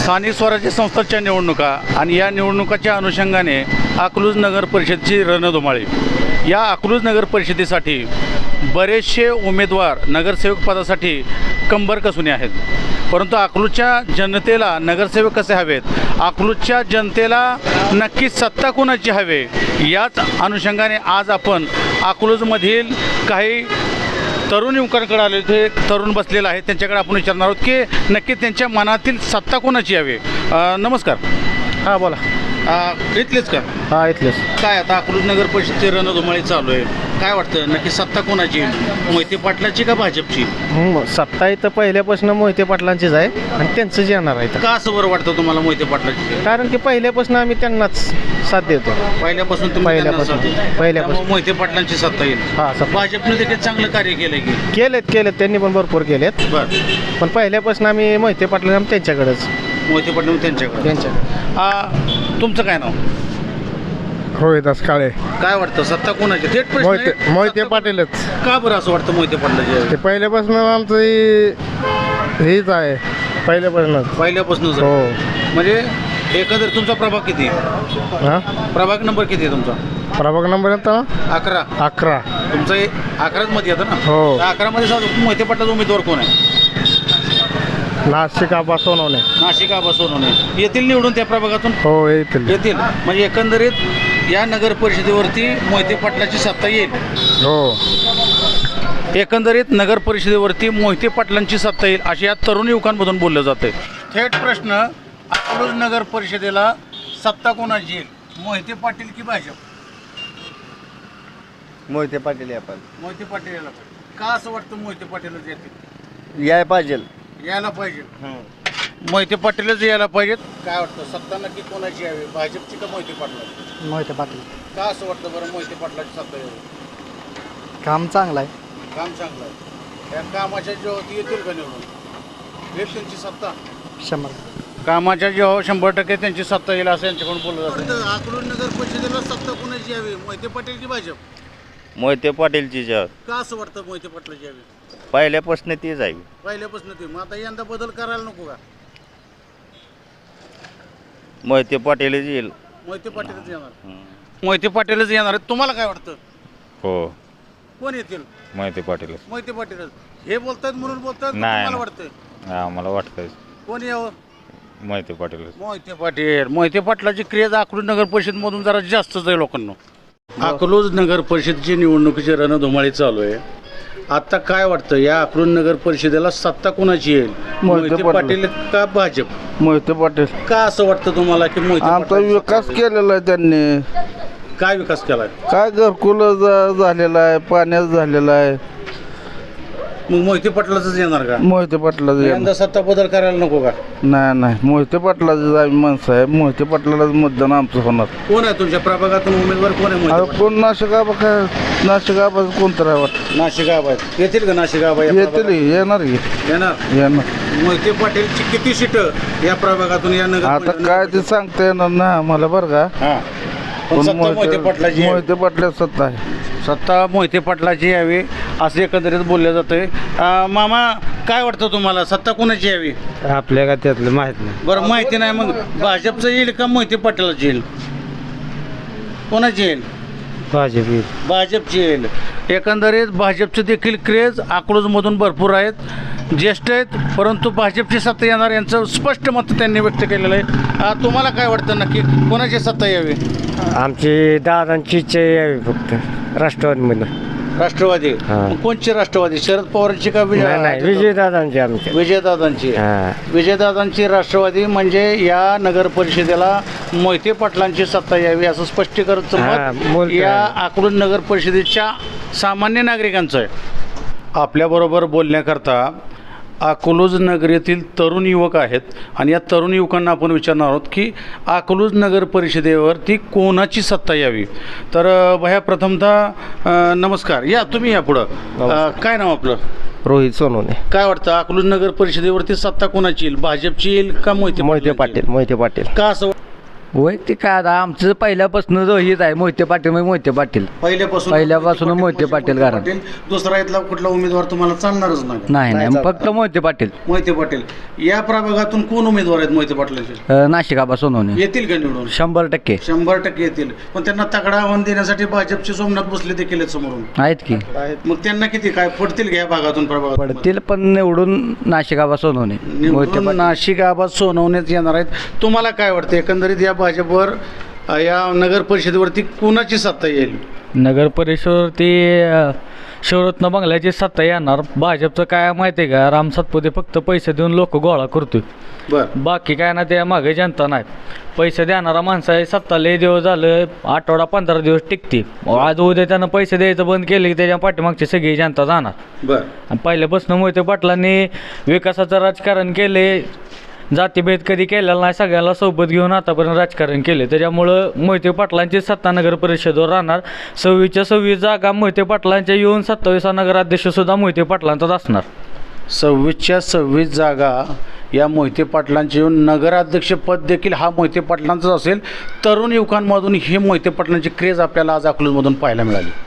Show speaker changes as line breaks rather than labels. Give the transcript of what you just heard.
स्थानिक स्वराज्य संस्थांच्या निवडणुका आणि या निवडणुकाच्या अनुषंगाने अकलूज नगर परिषदेची रणधुमाळी. या अकलूज नगर परिषदेसाठी बरेचसे उमेदवार नगरसेवक पदासाठी कंबर कसुने आहेत. परंतु अकलूजच्या जनतेला नगरसेवक कसे हवेत, अकलूजच्या जनतेला नक्की सत्ता कोणाची हवे, याच अनुषंगाने आज आपण अकलूजमधील काही तरुण युवकांकडे आले. ते तरुण बसलेले आहेत, त्यांच्याकडे आपण विचारणार आहोत की नक्की त्यांच्या मनातील सत्ता कोणाची हवी. नमस्कार.
हां बोला.
इथलेच का?
हां इथलेच.
काय आता अकलूज नगर परिषदेची रणधुमाळी चालू आहे, काय वाटतं नक्की सत्ता कोणाची, मोहिते पाटलाची का भाजपची?
सत्ता इथं पहिल्यापासून मोहिते पाटलांचीच आहे आणि त्यांचंच येणार आहे.
का असं बरं वाटतं तुम्हाला मोहिते पाटलाची?
कारण की पहिल्यापासून आम्ही त्यांनाच साथ देतो.
पहिल्यापासून
पहिल्यापासून
मोहिते पाटलांची सत्ता येईल.
हां
भाजपने देखील चांगलं कार्य केलंय की?
केलेत त्यांनी पण भरपूर केलेत.
बरं.
पण पहिल्यापासून आम्ही मोहिते पाटला त्यांच्याकडेच.
मोहिते पाटील त्यांच्याकडे. तुमचं काय नाव?
रोहिदास काळे.
काय वाटतं सत्ता कोणाची? थेट प्रश्न आहे.
मोहिते
सत्ता
पाटीलच.
का बरं असं वाटतं मोहिते पाटलाची?
ते पहिल्यापासून आमचं हेच आहे, पहिल्यापासूनच.
हो. म्हणजे एकंदर तुमचा प्रभाग किती?
हां
प्रभाग नंबर किती आहे तुमचा?
प्रभाग नंबर येतो
11. तुमचं 11च मध्ये येतं ना?
हो.
11 मध्ये मोहिते पाटलाचा उमेदवार कोण आहे?
नाशिक आबा सोनवणे.
नाशिक आबा सोनवणे येतील निवडून त्या प्रभागातून?
हो येतील.
म्हणजे एकंदरीत या नगर परिषदेवरती मोहिते पाटलाची सत्ता येईल.
हो.
एकंदरीत नगर परिषदेवरती मोहिते पाटलांची सत्ता येईल अशी या तरुण युवकांमधून बोललं जाते. थेट प्रश्न, अकलूज नगर परिषदेला सत्ता कोणाची येईल, मोहिते पाटील की भाजप?
मोहिते पाटील
मोहिते पाटील यायला पाहिजे. का असं वाटतं मोहिते पाटीलच येतील?
याय पाहिजे.
यायला पाहिजे. मोहिते पाटीलच यायला पाहिजेत. काय वाटतं सत्ता नक्की कोणाची यावी, भाजपची का मोहिते पाटलाची?
मोहिते पाटील.
का असं वाटतं बरं मोहिते पाटलाची सत्ता यावी?
काम चांगलं आहे.
काम चांगलं आहे. त्या कामाच्या जेव्हा येतील का निवडून, येईल त्यांची सत्ता?
100.
कामाच्या जेव्हा 100% त्यांची सत्ता येईल असं यांच्याकडून बोललं जातं. अकलूज नगर परिषदेला सत्ता कोणाची यावी, मोहिते पाटील की भाजप?
मोहिते पाटीलची
का असं वाटतं मोहिते पाटलाची यावी?
पहिल्यापासून तीच आहे.
पहिल्यापासून ते, मग आता यंदा बदल करायला नको का?
मोहिते पाटीलच येईल.
मोहिते पाटीलच येणार. मोहिते पाटीलच येणार आहेत. तुम्हाला काय वाटतं?
हो
कोण येतील?
मोहिते पाटीलच.
मोहिते पाटीलच. हे बोलतात म्हणून बोलतात,
नाही.
मला वाटतं
आम्हाला वाटतंय
कोण यावं?
मोहिते पाटीलच.
मोहिते पाटलाची क्रेज अकलूज नगर परिषदमधून जरा जास्तच आहे लोकांना. अकलूज नगर परिषदेची निवडणुकीची रणधुमाळी चालू आहे. आता काय वाटतं या अकलूज नगर परिषदेला सत्ता कोणाची येईल, मोहिते पाटील का भाजप?
मोहिते पाटील.
का असं वाटतं तुम्हाला की मोहिते
आमचा
पाटलाची
विकास
सत्ता येईल?
केलेला आहे त्यांनी.
काय विकास केलाय?
काय घरकुल झालेला आहे, पाण्यात झालेला आहे.
मग मोहिते पाटलाच येणार का?
मोहिते पाटलाच.
यंदा सत्ता बदल करायला नको का?
नाही मोहिते पाटलाच आम्ही माणसं आहे. मोहिते पाटलाच मतदान आमचं होणार.
कोण आहे तुमच्या प्रभागातून उमेदवार कोण आहे? मोहिते पाटील.
कोण नाशिकाबा काय नाशिकाबा कोणतं आहे वाटतं.
नाशिक आबा आहेत. येतील का नाशिक आबा?
येतील येणार की
येणार. मोहिते पाटीलची किती सीट या प्रभागातून या नगर
आता काय ते सांगता येणार ना आम्हाला बरं का.
हा. पण सत्ता मोहिते पाटलाची यावी.
मोहिते पाटला सत्ता आहे.
सत्ता मोहिते पाटलाची यावी असं एकंदरीत बोललं जातंय. मामा काय वाटतं तुम्हाला सत्ता कोणाची यावी?
आपल्या का त्यातलं माहित नाही.
बरं माहिती नाही, मग भाजपचं येईल का मोहिते पाटलाची येईल, कोणाची येईल? भाजपची येईल. एकंदरीत भाजपचे देखील क्रेज अकलूजमधून भरपूर आहेत, ज्येष्ठ आहेत, परंतु भाजपची सत्ता येणार यांचं स्पष्ट मत त्यांनी व्यक्त केलेलं आहे. तुम्हाला काय वाटतं नक्की कोणाची सत्ता यावी?
आमची दादांची इच्छा यावी फक्त राष्ट्रवादीमध्ये.
राष्ट्रवादी. मग कोणची राष्ट्रवादी, शरद पवारांची का
विजयदादांची. आमच्या
विजयदादांची. विजयदादांची राष्ट्रवादी. म्हणजे या नगर परिषदेला मोहिते पाटलांची सत्ता यावी असं स्पष्टीकरण मत या अकलूज नगर परिषदेच्या सामान्य नागरिकांचं आहे. आपल्याबरोबर बोलण्याकरता अकलूज नगरीतील तरुण युवक आहेत आणि या तरुण युवकांना आपण विचारणार आहोत की अकलूज नगर परिषदेवरती कोणाची सत्ता यावी. तर भया प्रथमतः नमस्कार. या तुम्ही या पुढं. काय नाव आपलं?
रोहित सोनवणे.
काय वाटतं अकलूज नगर परिषदेवरती सत्ता कोणाची येईल, भाजपची येईल का मोहिते
पाटील.
का असं?
वैयक्तिक काय आता आमचं पहिल्यापासून जो हीच आहे मोहिते पाटील म्हणजे मोहिते पाटील पहिल्यापासून मोहिते पाटील कारण.
दुसरा इथला कुठला उमेदवार तुम्हाला चालणारच नाही.
नाही फक्त मोहिते पाटील.
मोहिते पाटील या प्रभागातून कोण उमेदवार आहेत मोहिते पाटलांचे?
नाशिक आबा सोनवणे
येतील का निवडून?
100%
100% येतील. पण त्यांना तगडा आव्हान देण्यासाठी भाजपचे सोमनाथ भोसले देखील आहेत समोरून.
आहेत की
मग त्यांना किती काय पडतील घ्या भागातून प्रभागात?
पडतील पण निवडून नाशिक आबा सोनवणे मोहिते
निवडून
पाटील.
नाशिक आबाद सोनवणेच येणार आहेत. तुम्हाला काय वाटतं एकंदरीत या भाजपवर या नगर परिषदेवरती कुणाची सत्ता येईल?
नगर परिषदेवरती शिवरत्न बंगल्याची सत्ता येणार. भाजपचं काय माहिती आहे का, राम सातपुते फक्त पैसे देऊन लोक गोळा करतोय,
बरं
बाकी काय ना त्या मागे जनता नाही. पैसे देणारा माणसा आहे, सत्ता लय दिवस झालं, आठवडा 15 दिवस टिकते. आज उद्या त्यानं पैसे द्यायचं बंद केले की त्याच्या पाठीमागची सगळी जनता जाणार.
बरं
आणि पहिल्यापासून मोहिते पाटलांनी विकासाचं राजकारण केले, जातीभेद कधी केलेला नाही, सगळ्याला सोबत घेऊन आतापर्यंत राजकारण केले. त्याच्यामुळं मोहिते पाटलांची सत्ता नगर परिषदेवर राहणार. 26च्या 26 जागा मोहिते पाटलांच्या येऊन 27 नगराध्यक्षसुद्धा मोहिते पाटलांचाच असणार.
26च्या 26 जागा या मोहिते पाटलांचे येऊन नगराध्यक्षपद देखील हा मोहिते पाटलांचंच असेल. तरुण युवकांमधून ही मोहिते पाटलांची क्रेज आपल्याला आज अकलूजमधून पाहायला मिळाली.